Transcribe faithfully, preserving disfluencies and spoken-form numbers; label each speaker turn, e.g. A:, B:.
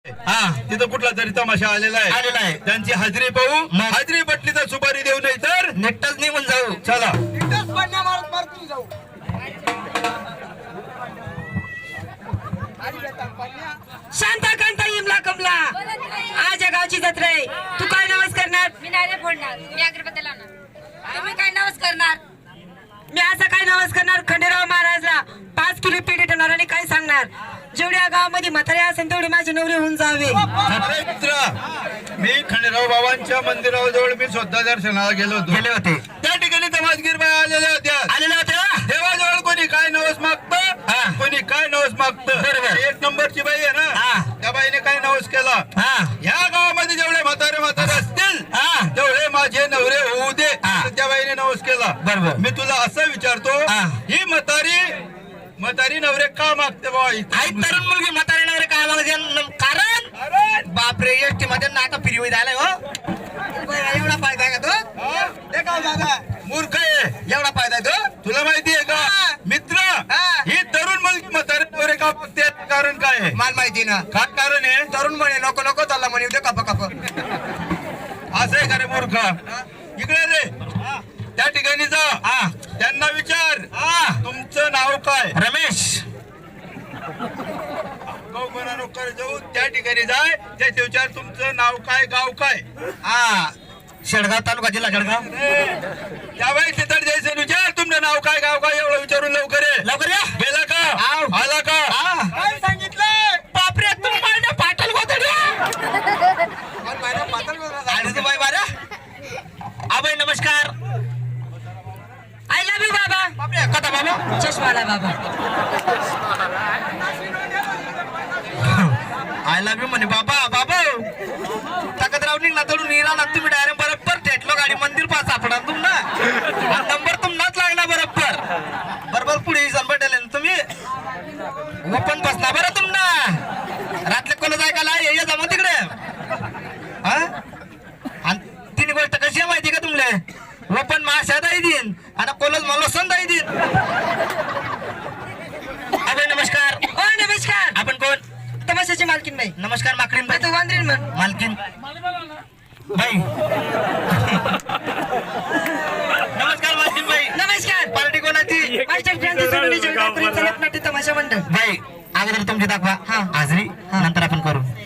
A: हा
B: तिथं कुठला तरी तमाशा आलेला आहे
A: आलेला आहे.
B: त्यांची हाजरी पाहू हाजरी पटली तर सुपारी देऊ नाही तर
A: नेटच निघून जाऊ.
B: चला
C: शांताकांता इमला कमला आज या गावची जत्रा आहे. तू काय नवस करणार?
D: मी नाही रे फोडणार, मी अगरबत्ती लावणार. तुम्ही काय नवस करणार?
C: मी असं काय नवस करणार? खंडेराव महाराजला पाच किलो पेढे ठेवणार आणि काय सांगणार जेवढ्या गावामध्ये म्हातारे असेल तेवढे माझे नवरे होऊन जावे.
B: अरे मित्र मी खंडेराव बाबांच्या मंदिराजवळ मी स्वतः दर्शनाला गेलो होतो
A: गेले होते
B: त्या ठिकाणी तमासगीर बाई आलेल्या होत्या
A: आलेले होते का?
B: देवाजवळ कोणी काय नवस मागत
A: हा.
B: कोणी काय नवस मागत
A: बरोबर.
B: एक नंबरची बाई आहे
A: हा.
B: ना त्या बाईने काय नवस केला
A: हा
B: या गावामध्ये जेवढे म्हातारे म्हातारे असतील
A: हा.
B: तेवढे माझे नवरे होऊ दे
A: हा.
B: तर त्या बाईने नवस केला
A: बरोबर.
B: मी तुला असं विचारतो
A: हा.
B: ही म्हातारी म्हातारी नवरे का मागते बाबा
A: आई तरुण मुलगी म्हातारे नवरे काय मागते? कारण बापरे एसटी मध्ये नाका फिरवी झालाय हो. एवढा फायदा आहे का तो?
B: हा? ते काय दादा मूर्ख आहे
A: एवढा फायदा आहे तो?
B: तुला माहिती आहे का
A: हा.
B: मित्र
A: हा.
B: ही तरुण मुलगी म्हातारे नवरे का मागते कारण काय आहे
A: मला माहिती ना.
B: काय कारण आहे
A: तरुण म्हणे नको नको चालला म्हणे उद्या कप कप.
B: असं आहे का रे मूर्ख इकडे रे त्या ठिकाणी जा
A: हा
B: त्यांना विचार
A: हा.
B: तुमचं नाव काय
A: रमेश
B: गौमना नोकर जाऊ त्या ठिकाणी जाय त्याचे विचार तुमचं नाव काय गाव काय
A: हा शेडगाव तालुका जिल्हा जळगाव.
B: त्या बाई तिथं जायचं विचार तुमचं नाव काय गाव काय एवढं विचारून लवकर ये.
A: लवकर या.
B: गेला का
A: आव.
B: आला का
A: हा.
B: काय सांगितलं
A: बापरे तुम मायना पाटल गोदड्या. आणि तू बाई बारा आबाई नमस्कार.
C: आय लव्ह यू बाबा.
A: बापरे कथा बाबा
C: चष्माला बाबा.
A: आय लव्ह यू म्हणे बाबा बाबा तकदराव निघला तडून इराला तुम्ही डायरेक्ट बरोबर थेटलो गाडी मंदिर पास सापडा तुम ना नंबर तुमनाच लागला बरोबर बरोबर पुढे भेटेल तुम्ही ओपन बसला बरं तुम ना रातले कोण ऐकायला ये ये जमा तिकडे हा आणि तिन्ही गोष्ट कशी आहे माहिती का तुमले ओपन माशा दाई देईन आणि कॉलेज मला संदाई देईन. अबे नमस्कार.
C: ओ नमस्कार.
A: आपण कोण?
C: तमाशाची मालकीन बाई.
A: नमस्कार माकडीन बाई.
C: तू वांद्रीन म्हण.
A: मालकीन बाई. नमस्कार मालकीन बाई.
C: नमस्कार.
A: पार्टी कोणाची?
C: मास्टर क्रांती सोडून जळगावपर्यंत लोकनाट्य तमाशा मंडळ.
A: बाई अगोदर तुमची दाखवा
C: हा.
A: हाजरी नंतर आपण करू.